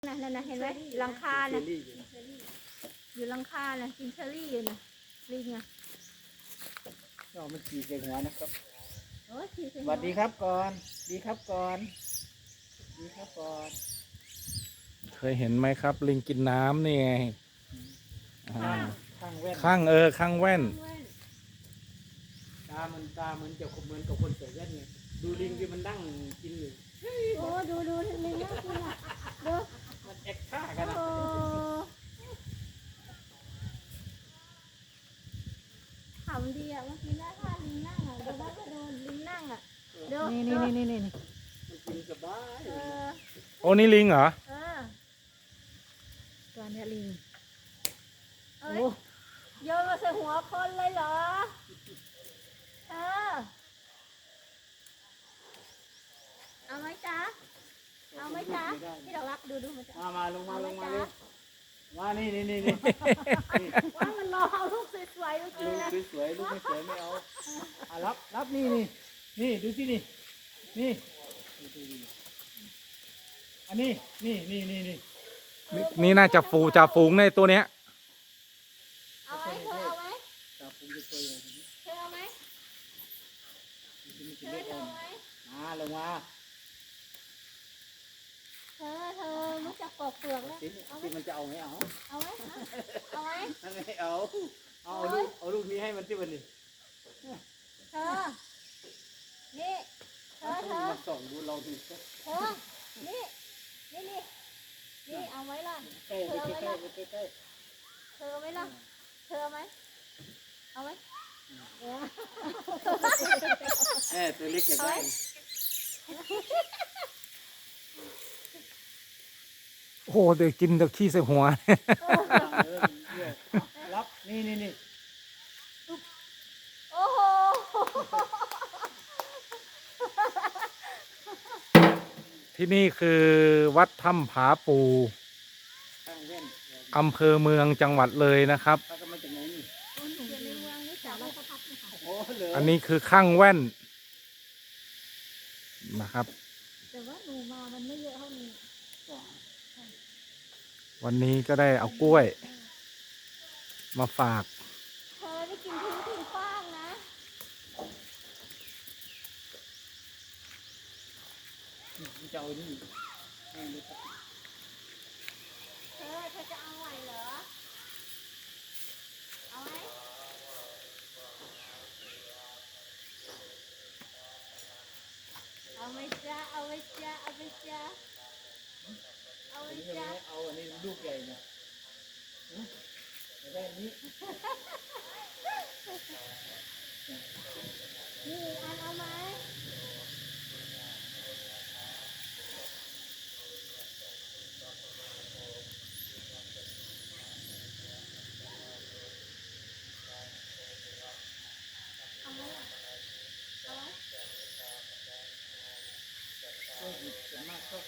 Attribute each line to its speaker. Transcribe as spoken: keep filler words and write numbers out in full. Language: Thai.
Speaker 1: นั่นนะเห็นไหมหลังคาน่ะอยู่หลังคาน่ะกินเชอรี่อยู่น่ะลิงอ่ะ
Speaker 2: เรามันขี่ใส่หัวนะครับ
Speaker 1: โอ้ยขี่ใส่
Speaker 2: ส
Speaker 1: หั
Speaker 2: วัสดีครับก่อน ดีครับก่อน ดีครับก่อน
Speaker 3: เคยเห็นไหมครับ ลิงกินน้ำนี่ไงอ่า
Speaker 2: ข้างแว่น
Speaker 3: ข้างเออข้างแว่น
Speaker 2: ตามันตาเหมือนจะเหมือนกับคนใส่แว่นไงดูลิงที่มันนั่งกินอยู่
Speaker 1: โอ้ดูดูลิงน่ากินอ่ะดู
Speaker 2: มันแอคท่ากันนะ
Speaker 1: โอ้ขำดีอ่ะเมื่อกี้น่าท่าลิงนั่งอ่ะดูนะก็ดูลิงนั่งอ่ะดู
Speaker 4: นี่นี่นี่นี่นี่
Speaker 2: มันกินสบาย
Speaker 1: เออ
Speaker 3: โอ้นี่ลิงเหรอ
Speaker 1: เออ
Speaker 4: ตัวเนี้ยลิง
Speaker 1: เอ้ยโยนมาใส่หัวคนเลยเหรอเออเอาไหมจ๊ะเอาไหมจ๊ะพี่ดอกรักดูดูมันจะ
Speaker 2: มามาลงมาลงมาเลยมานี่นี่นี่นี่
Speaker 1: ว่ามันรอเอาลูกสวยๆเมื่อกี้
Speaker 2: ลูก
Speaker 1: นะ
Speaker 2: สวยๆลูกไม่สวยไม่เอาอ่ะรับรับนี่นี่นี่ดูสินี่นี่อันนี้นี่นี่นี่นี่
Speaker 3: นี่นี่น่าจะฟูจะฟูงในตัวเนี้ย
Speaker 1: เอาไหมเธอเอาไหม
Speaker 2: ตาผมจะตัวใหญ่
Speaker 1: เธอเอาไหม
Speaker 2: นี่
Speaker 1: เธ
Speaker 2: จะ
Speaker 1: อ
Speaker 2: เล็ก
Speaker 1: เธอ
Speaker 2: อ่อ
Speaker 1: เอา
Speaker 2: น
Speaker 1: ไหม
Speaker 2: มาลงมา
Speaker 1: เธอเธอรู้จักปอกเปลือกแล้ว
Speaker 2: สิ
Speaker 1: เอาไหม
Speaker 2: ที่มันจะเอาไหมเอา
Speaker 1: เอาไหมเอาไหม
Speaker 2: ไม่เอาเอาลูกเอาลูกนี้ให้มันที่วันนี้
Speaker 1: เธอนี่เธอเธอ
Speaker 2: มาส่องดูเราดูสัก
Speaker 1: เธอนี่นี่นี่นี่เอาไว้ล่ะ
Speaker 2: ใกล้ใกล้ใกล้ใกล้ใกล้
Speaker 1: เธอเอาไหมล่ะเธอเอาไหมเอาไหมเออ
Speaker 2: เออตัวเล็กอย่างไร
Speaker 3: โอ้โหเดี๋ยวกินเดี๋ยวขี้ใส่หัว
Speaker 2: รับนี่นี่นี่
Speaker 1: โอ้โห
Speaker 3: ที่นี่คือวัดถ้ำผาปู
Speaker 2: ข้างเว้น
Speaker 3: อำเภอเมืองจังหวัดเลยนะครับ
Speaker 2: เขาก็มาจากไหนนี่
Speaker 1: หนูอยู่ในเมืองนี่สาวราชพัฒน์นะคะ
Speaker 2: โอ้เหลือ
Speaker 3: อันนี้คือข้างแว่นนะครับ
Speaker 1: แต่ว่าหนูมามันไม่เยอะเท่านี้
Speaker 3: วันนี้ก็ได้เอากล้วย มาฝาก
Speaker 1: เธอได้กินทิ้งทิ้งขว้างนะ
Speaker 2: จะเอานี่
Speaker 1: เธอเธอจะเอาไหวเหรอ เอาไหมเอาไหมจ๊ะเอาไหมจ๊ะเอาไหมจ๊ะเอาไหม
Speaker 2: อันนี้
Speaker 1: จ๊ะ
Speaker 2: เอาอันนี้ลูกใหญ่นะไม่ได้นี้
Speaker 1: นี่อีกอันเอาไหมเอาไหมล่ะเอาไหม
Speaker 2: ก็หยิบส่วนมากชอบ